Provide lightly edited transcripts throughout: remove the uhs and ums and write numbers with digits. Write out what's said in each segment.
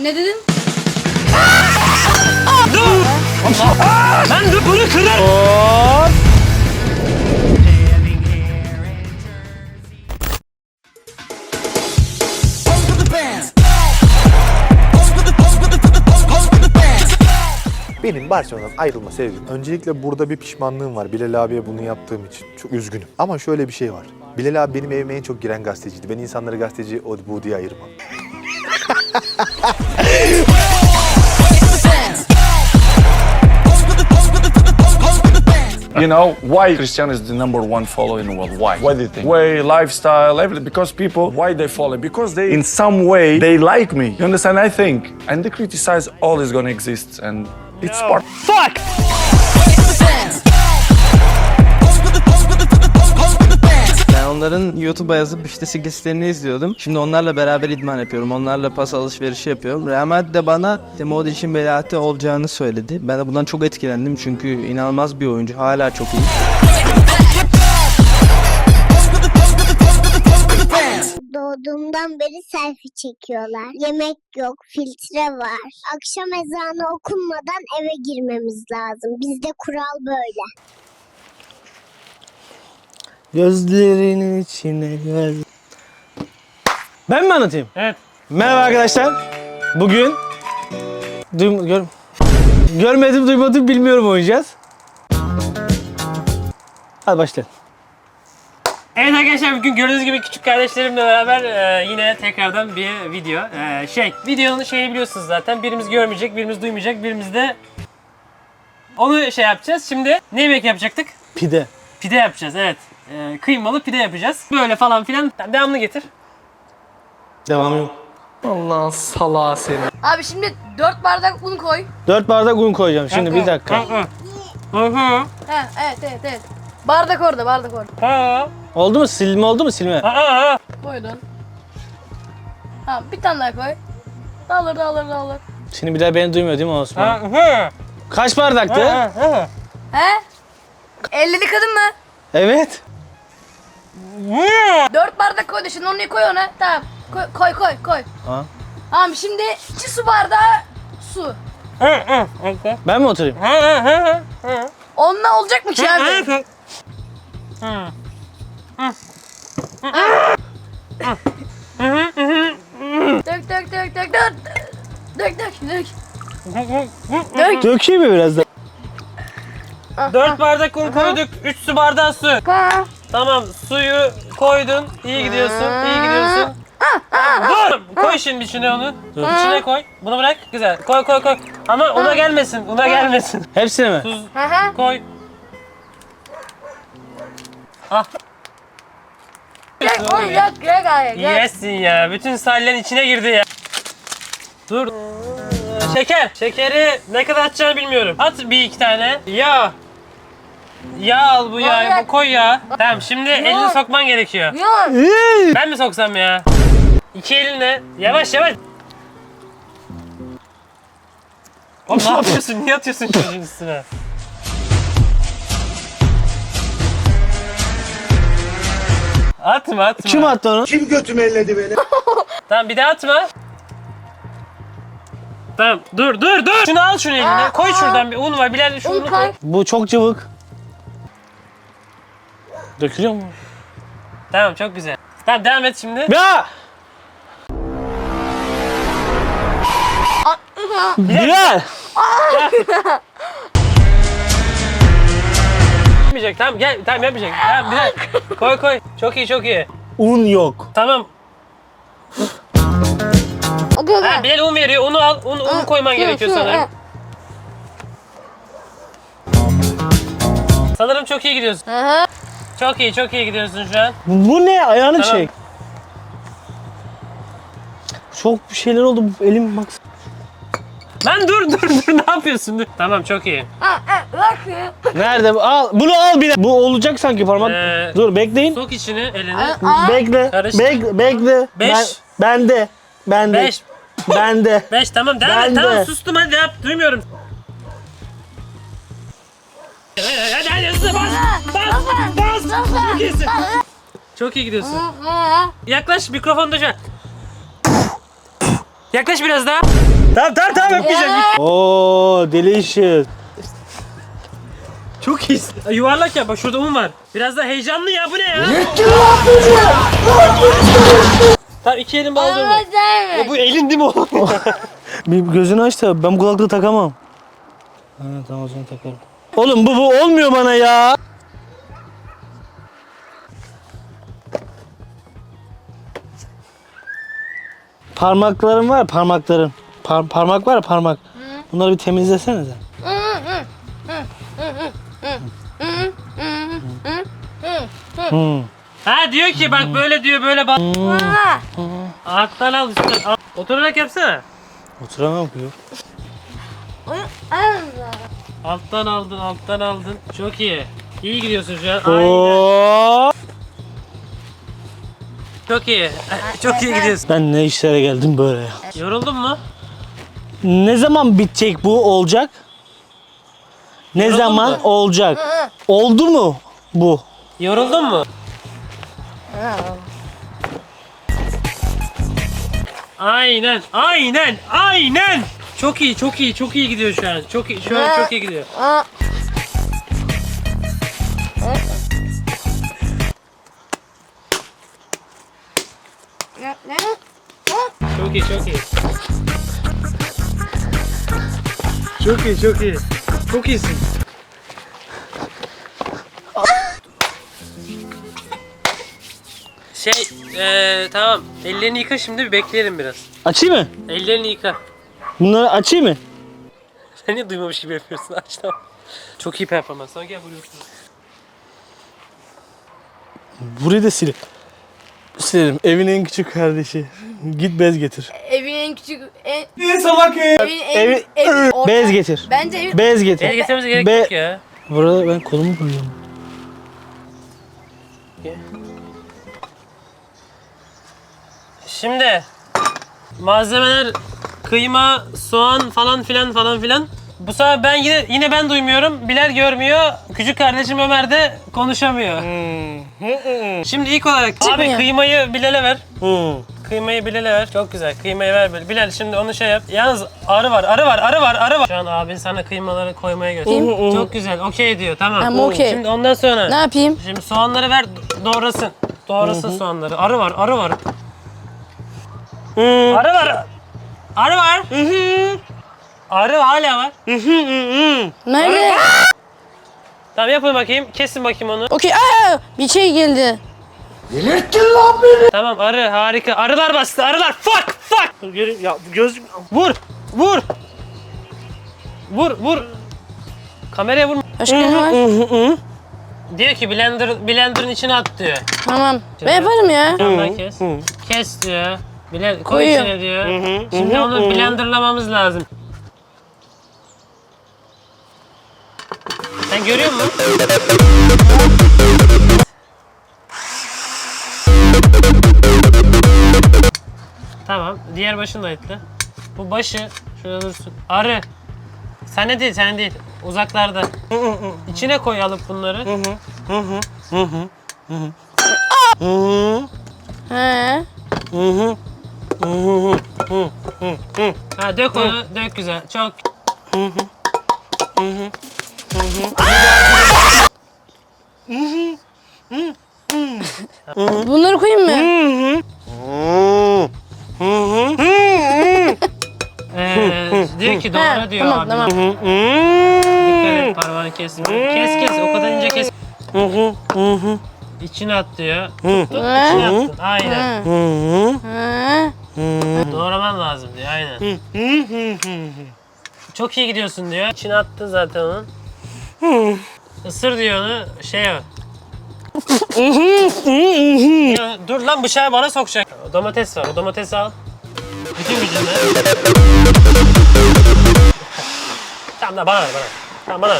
Ne dedin? Dur! Ben dur bunu kırarım. Hop. Benim Barcelona'dan ayrılma sebebim. Öncelikle burada bir pişmanlığım var. Bilal abiye bunu yaptığım için. Çok üzgünüm. Ama şöyle bir şey var. Bilal abi benim evime en çok giren gazeteciydi. Ben insanları gazeteci o bu diye ayırmam. You know, why Cristiano is the #1 follower in the world? Why? Why do you think? Way, lifestyle, everything. Because people, why they follow? Because they, in some way, they like me. You understand? I think. And they criticize always gonna exist. And it's part. Fuck! Ben onların YouTube'a yazıp işte skillslerini izliyordum. Şimdi onlarla beraber idman yapıyorum. Onlarla pas alışverişi yapıyorum. Real Madrid de bana Modric'in Belotti olacağını söyledi. Ben de bundan çok etkilendim çünkü inanılmaz bir oyuncu. Hala çok iyi. Doğduğumdan beri selfie çekiyorlar. Yemek yok, filtre var. Akşam ezanı okunmadan eve girmemiz lazım. Bizde kural böyle. Gözlerinin içine göz. Ben mi anlatayım? Evet. Merhaba arkadaşlar. Bugün görmedim, duymadım, bilmiyorum oynayacağız. Hadi başlayalım. Evet arkadaşlar, bugün gördüğünüz gibi küçük kardeşlerimle beraber yine tekrardan bir video. Videonun şeyini biliyorsunuz zaten. Birimiz görmeyecek, birimiz duymayacak, birimiz de onu yapacağız. Şimdi ne yemek yapacaktık? Pide. Pide yapacağız, evet. Kıymalı pide yapacağız. Böyle falan filan. Devamını getir. Devam yok. Allah'ın salağı seni. Abi şimdi 4 bardak un koy. 4 bardak un koyacağım şimdi, bir dakika. He, evet. Bardak orada. Oldu mu? Silme oldu mu silme? Koydun. Tamam, bir tane daha koy. Dağılır. Şimdi bir daha beni duymuyor değil mi Osman? Kaç bardaktı? He? 50'li kadın mı? Evet. 4 bardak koydu, şimdi onu koy ona. Tamam. Koy. Ha. Tamam, şimdi 2 su bardağı su. Ben mi oturayım? Onunla olacak mı ki abi? Dök. Dökeyim mi biraz da? 4 bardak un koyduk, 3 su bardağı su. Tamam, suyu koydun. İyi gidiyorsun. Dur! Koy şimdi içine onu. İçine koy. Bunu bırak. Güzel. Koy. Ama una gelmesin. Hepsini mi? Tuz koy. Ah. Yesin ya. Bütün salyan içine girdi ya. Dur. Şeker. Şekeri ne kadar atacağını bilmiyorum. At bir iki tane. Yağ. Yağ al bu yağı. Bu koy ya. Tamam, şimdi elini sokman gerekiyor. Ben mi soksam ya? İki elinle. Yavaş. Oğlum ne yapıyorsun? Niye atıyorsun çocuğun üstüne? Atma. Kim attı onu? Kim götümü elledi beni? Tamam, bir daha atma. Tamam, dur. Şunu al eline. Koy şuradan bir un var. Bilal şu unu koy. Bu çok cıvık. Dökülüyor mu? Tamam, çok güzel. Tamam, devam et şimdi. Ya! Bilal! Yapmayacak. Tamam, gel. Tamam, yapmayacak. Tamam, Bilal. Koy. Çok iyi. Un yok. Tamam. Ha, Bilal un veriyor. Unu al. Un koyman gerekiyor sanırım. Sanırım çok iyi gidiyorsun. Çok iyi gidiyorsun şu an. Bu ne? Ayağını Tamam. çek. Çok bir şeyler oldu. Elim bak. Lan dur. Ne yapıyorsun? Dur. Tamam, çok iyi. Nerede bu? Al. Bunu al bir. Bu olacak sanki parmak. Dur bekleyin. Sok içini elini. Bekle. Karıştır. Bekle. Beş. Bende. 5. Bende. 5 tamam, devam et. Ben de. Tamam, sustum, hadi yap. Duymuyorum. Hadi hızlı bas. Çok iyisin. Çok iyi gidiyorsun. Yaklaş, mikrofonu da şu an. Yaklaş biraz daha. Tamam öpmeyeceğim. Oo delicious. Çok iyisin. Yuvarlak ya bak şurada un var. Biraz da heyecanlı ya bu ne ya? Tamam 2 elim bağlı durma. Bu elin değil mi o? Bir gözünü aç da ben bu kulaklığı takamam. Ha, tamam o zaman takarım. Oğlum bu olmuyor bana ya. Parmaklarım var parmakların. Parmak var ya parmak. Bunları bir temizlesene sen. Ha diyor ki bak böyle diyor böyle bak. Alttan al üstten al. Oturarak yapsana. Oturamam ki. Alttan aldın. Çok iyi. İyi gidiyorsun şu an. Aynen. Oo. Çok iyi. Çok iyi gidiyorsun. Ben ne işlere geldim böyle ya. Yoruldun mu? Ne zaman bitecek bu olacak? Ne Yoruldun zaman mu? olacak? Oldu mu bu? Yoruldun mu? Aynen. Çok iyi gidiyor şu an. Şu an çok iyi gidiyor. Çok iyi. Çok iyisin. Tamam. Ellerini yıka şimdi bir bekleyelim biraz. Açayım mı? Ellerini yıka. Bunları açayım mı? Sen niye duymamış gibi yapıyorsun? Aç tamam. Çok iyi performans. Sonra gel buraya otur. Burayı da silip. Silerim. Evin en küçük kardeşi. Git bez getir. Evin en küçük... Evi, bez getir. Bence evin... Bez getir. El getirmemize gerek Be- yok ya. Burada ben kolumu koyuyorum. Şimdi malzemeler kıyma, soğan falan filan. Bu sefer ben yine ben duymuyorum. Bilal görmüyor. Küçük kardeşim Ömer de konuşamıyor. Şimdi ilk olarak abi ya. kıymayı Bilal'e ver. Kıymayı Bilal'e ver. Çok güzel. Kıymayı ver böyle. Bilal şimdi onu şey yap. Yalnız arı var. Şu an abin sana kıymaları koymaya gösteriyor. Çok güzel. Okey diyor. Tamam. Tamam, okey. Şimdi ondan sonra. Ne yapayım? Şimdi soğanları ver. Doğrasın. Doğrasın soğanları. Arı var. Arı var. Arı hala var. Nerede? Tamam yapın bakayım. Kesin bakayım onu. Okey. Bir şey geldi. Tamam arı harika. Arılar bastı. Arılar. Fuck. Geri ya göz Vur. Kameraya vurma. Başka ne var? Diyor ki blender'ın içine at diyor. Tamam. Ben yaparım ya. Tamam kes. Kes diyor. Koy Koyuyorum. içine diyor. Şimdi onu blenderlamamız lazım. Sen görüyor musun? Tamam. Diğer başını da etle. Bu başı şurada dursun. Arı. Sen değil. Uzaklarda. İçine koy alıp bunları. He. Ha dök onu. Dök güzel. Çok. Bunları koyayım mı? Diyor ki doğru diyor tamam, abi. tamam. Dikkat et parmağını kesme. Kes. O kadar ince kes. İçine at diyor. Tuttun. İçine attın. Aynen. Doğraman lazım diyor. Aynen. Çok iyi gidiyorsun diyor. İçine attın zaten onun. Isır diyor onu. Ya, dur lan bıçağı bana sokacak. O domates var. O domatesi al. Bütün gücünle. Tamam da bana ver. Tamam bana ver.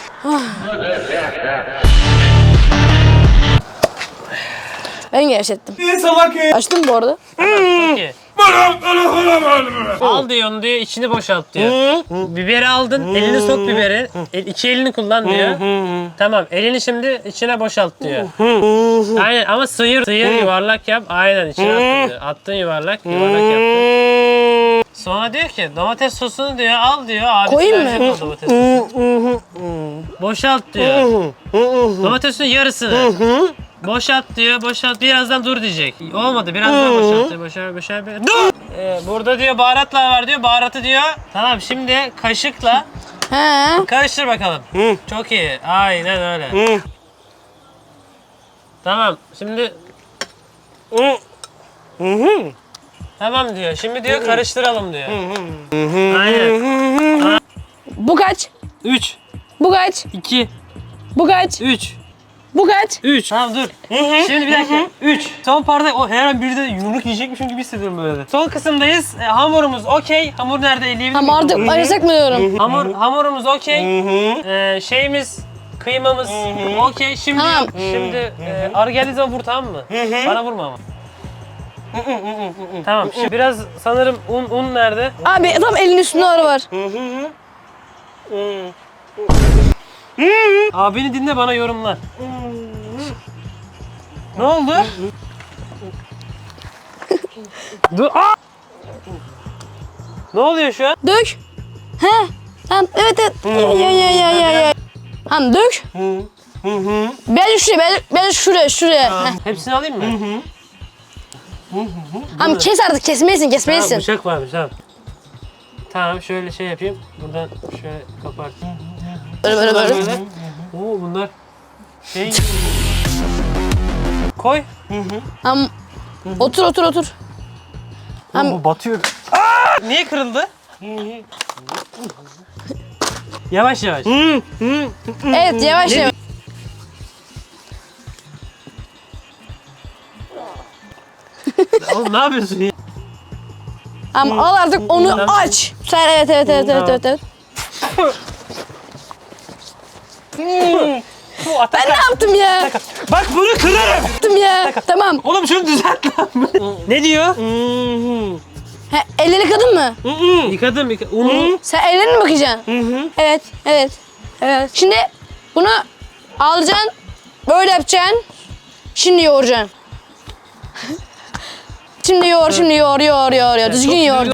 Ben gevşettim. Açtım bu arada. Çok iyi. Al diyor onu diyor, içini boşalt diyor. Biberi aldın, elini sok biberi. İki elini kullan diyor. Tamam, elini şimdi içine boşalt diyor. Aynen ama sıyır yuvarlak yap. Aynen içine attın diyor. Attın yuvarlak yaptın. Sonra diyor ki domates sosunu diyor al diyor. Abi Koyayım mı? o domates sosunu. Boşalt diyor. Domatesin yarısını. Boşalt diyor, boşalt. Birazdan dur diyecek. Olmadı, biraz daha boşalt diyor. Boşalt. Dur! Burada diyor baharatlar var diyor, baharatı diyor. Tamam, şimdi kaşıkla He. karıştır bakalım. Çok iyi, aynen öyle. Tamam, şimdi... Tamam diyor, şimdi diyor karıştıralım diyor. Aynen. Bu kaç? 3, Bu kaç? 2, Bu kaç? 3. Bu kaç? 3. Tamam dur. Şimdi bir dakika. 3. Son parda o her an biri de yumruk yiyecekmişim gibi hissediyorum böyle. Son kısımdayız. Hamurumuz okey. Hamur nerede eleyebilir Tamam artık arasak mı diyorum? Hamurumuz okey. Şeyimiz kıymamız okey. Şimdi Tamam. şimdi arı geldiği zaman vur, tamam mı? Bana vurma ama. Tamam. Şimdi biraz sanırım un nerede? Abi tam elin üstünde arı var. Abini dinle, bana yorumlar. Ne oldu? Dur. Aa! Ne oluyor şu an? Dök. He. Tamam evet. Ya. Tamam dök. Ben şuraya. Heh. Hepsini alayım mı? Tamam kes artık kesmelisin. Tamam, bıçak varmış, tamam. Tamam, şöyle şey yapayım. Buradan şöyle kapartayım. Böyle. Oo, bunlar şey... Koy. Tamam. Otur. Oğlum, bu batıyor. Aa! Niye kırıldı? Yavaş. Evet yavaş. Oğlum ne yapıyorsun ya? Tamam al artık onu aç. Sen evet. Ben ne yaptım ya? Bak bunu kırarım. Tamam. Oğlum şunu düzelt lan. Ne diyor? He, elleri yıkadın mı? Yıkadım. Unu. Sen ellerine mi bakacaksın? Evet. Şimdi bunu alacaksın. Böyle yapacaksın. Şimdi yoğuracaksın. Şimdi yoğur. Düzgün yoğur.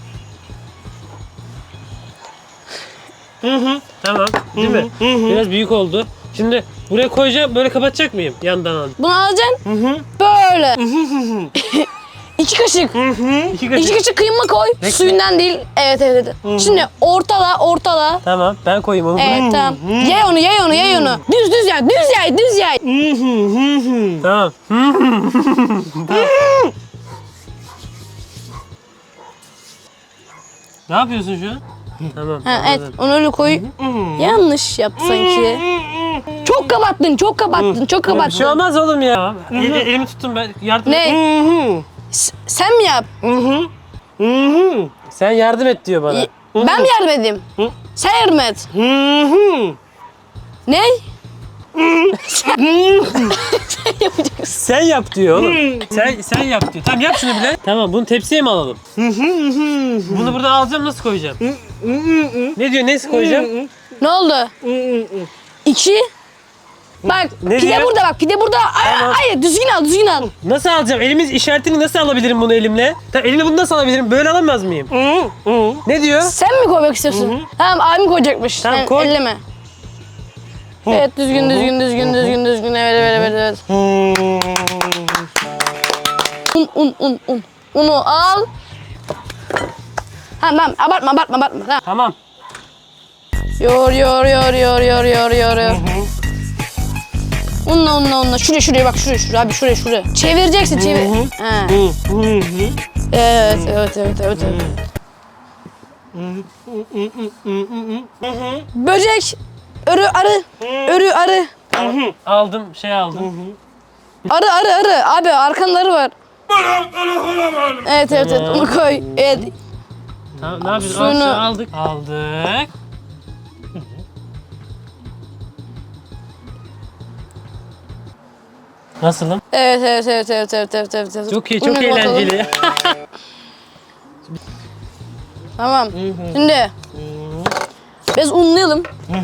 Tamam, değil mi? Biraz büyük oldu. Şimdi buraya koyacağım, böyle kapatacak mıyım? Yandan al. Bunu alacaksın. Böyle. 2 kaşık. 2 2 kaşık. kaşık kıyma koy. Suyundan değil. Evet. Şimdi ortala. Tamam, ben koyayım onu. Evet tamam. Yay onu. Düz yay. Tamam. Ne yapıyorsun şu an? Tamam. Ha, evet anladım. onu öyle koy. Yanlış yaptı sanki. Çok kapattın. Bir şey olmaz oğlum ya. Elimi tuttum ben. Yardım et. Ne? Sen mi yap? Sen yardım et diyor bana. Ben mi yardım edeyim? Sen yardım et. Ne? Sen yapacaksın. Sen yap diyor oğlum. Sen yap diyor. Tamam, yap şunu bile. Tamam, bunu tepsiye mi alalım? Bunu buradan alacağım, nasıl koyacağım? Ne diyor, nasıl koyacağım? Ne oldu? 2. Bak Ne pide diyor? burada bak pide burada. Hayır düzgün al. Nasıl alacağım? Elimiz işaretini nasıl alabilirim bunu elimle? Tamam, elimle bunu nasıl alabilirim? Böyle alamaz mıyım? Ne diyor? Sen mi koymak istiyorsun? Tamam abim koyacakmış. Tamam, Sen koy. elleme. Evet düzgün. Evet. Un. Unu al. Tamam abartma. Tamam. Tamam. Yoğur. Unla. Şuraya bak şuraya abi şuraya. Çevireceksin Ha. Evet. Böcek. Örü arı. Aldım, aldım. Arı. Abi arkanda arı var. Evet. Onu koy. Evet. Tamam, ne yapıyoruz? Suyunu- Aldık. Nasılım? Evet. Çok iyi, çok Unla kapatalım. eğlenceli. Tamam. Şimdi biraz unlayalım.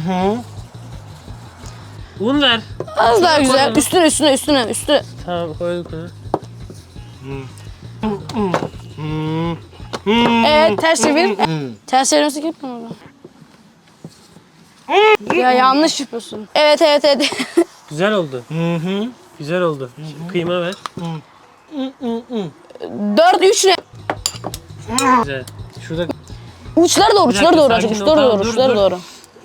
Un ver. Az daha güzel. koyalım. Üstüne. Tamam, koyduk onu. Evet ters çevir. Ters çevirmesi yapma onu. Ya yanlış yapıyorsun. Evet. Güzel oldu. Güzel oldu. Şimdi kıyma ver. 4-3 ne? Güzel. Şurada Uçları doğru, dakika, uçları doğru. sakin ol, Uçları tamam, doğru, dur, uçları dur. doğru.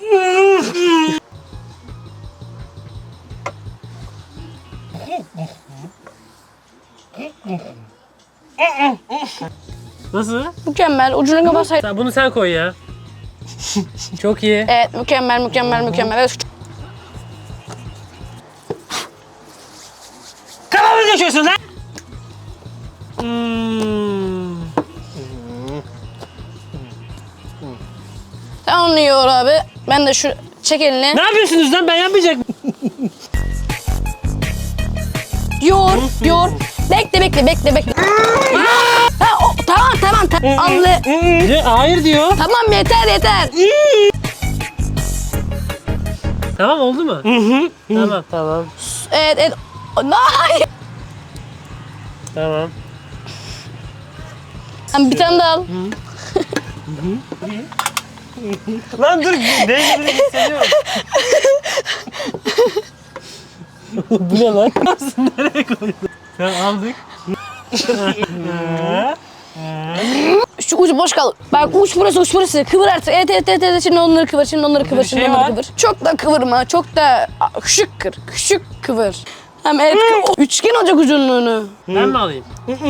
nasıl? Mükemmel. Ucunu kapatsaydın. Bunu sen koy ya. Çok iyi. Evet mükemmel. Evet. Kafamı geçiyorsun lan. Sen onu yiyor abi. Ben de şu çek elini. Ne yapıyorsunuz lan? Ben yapmayacak mıyım? Yoğur. Bekle. Ha, tamam. Anlı. Hayır diyor. Tamam yeter. Tamam oldu mu? Tamam. Evet. Hayır. Tamam. Bir tane daha al. Lan dur. Değiştirdim hissediyorum. Bu ne lan? Nereye koydun? Tamam aldık. Şu ucu boş kal. Bak uç burası. Kıvır artık. Evet. Şimdi onları kıvır. şey var. Çok da kıvırma. Çok da küçük kıvır. Hem evet üçgen olacak uzunluğunu. Ben mi alayım?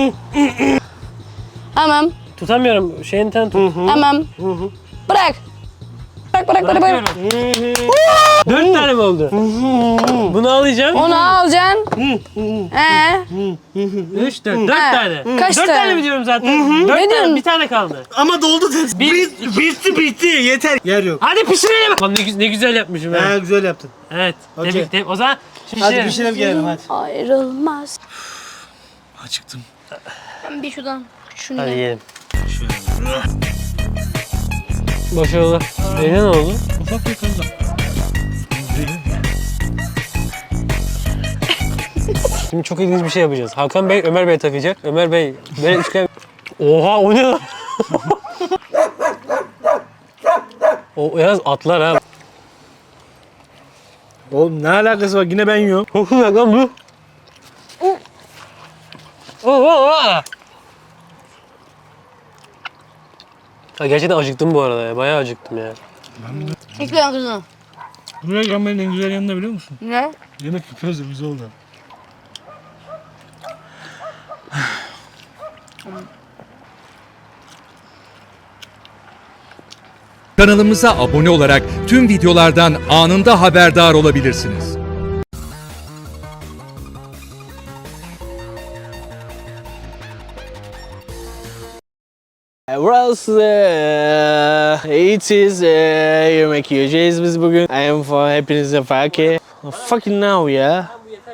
Tamam. Tutamıyorum. Şeyini tut. Tamam. Bırak. Bırakıyorum. 4 tane mi oldu? Bunu alacağım. Onu alacaksın. 3, 4 tane. Kaç 4 tane? tane mi diyorum zaten? 4 tane. diyorsun? Bir tane kaldı. Ama doldu test. Bitti. Yeter. Yer yok. Hadi pişirelim. Lan ne güzel yapmışım ha. Güzel yaptın. Evet. Okey. Tebrik. O zaman şimdi Hadi pişirelim gelelim hadi. Ayrılmaz. Acıktım. Ben bir şuradan şunu Hadi ye. yiyelim. Başarılı. Ne oldu? Ufak bir kızım. Şimdi çok ilginç bir şey yapacağız. Hakan Bey, Ömer Bey takacak. Ömer Bey, böyle üçgen... Oha o ne lan? O yalnız atlar ha. Oğlum ne alakası var? Yine ben yiyorum. Çok güzel lan bu. Oha! Ha, gerçekten acıktım bu arada ya. Bayağı acıktım ya. İlk ben kızım. Buraya gelmenin en güzel yanı ne biliyor musun? Ne? Yemek yapıyoruz da biz oldu. Kanalımıza abone olarak tüm videolardan anında haberdar olabilirsiniz. Burası eğitiz yemek yiyeceğiz biz bugün. I am for hepinize fakir. Fucking now ya.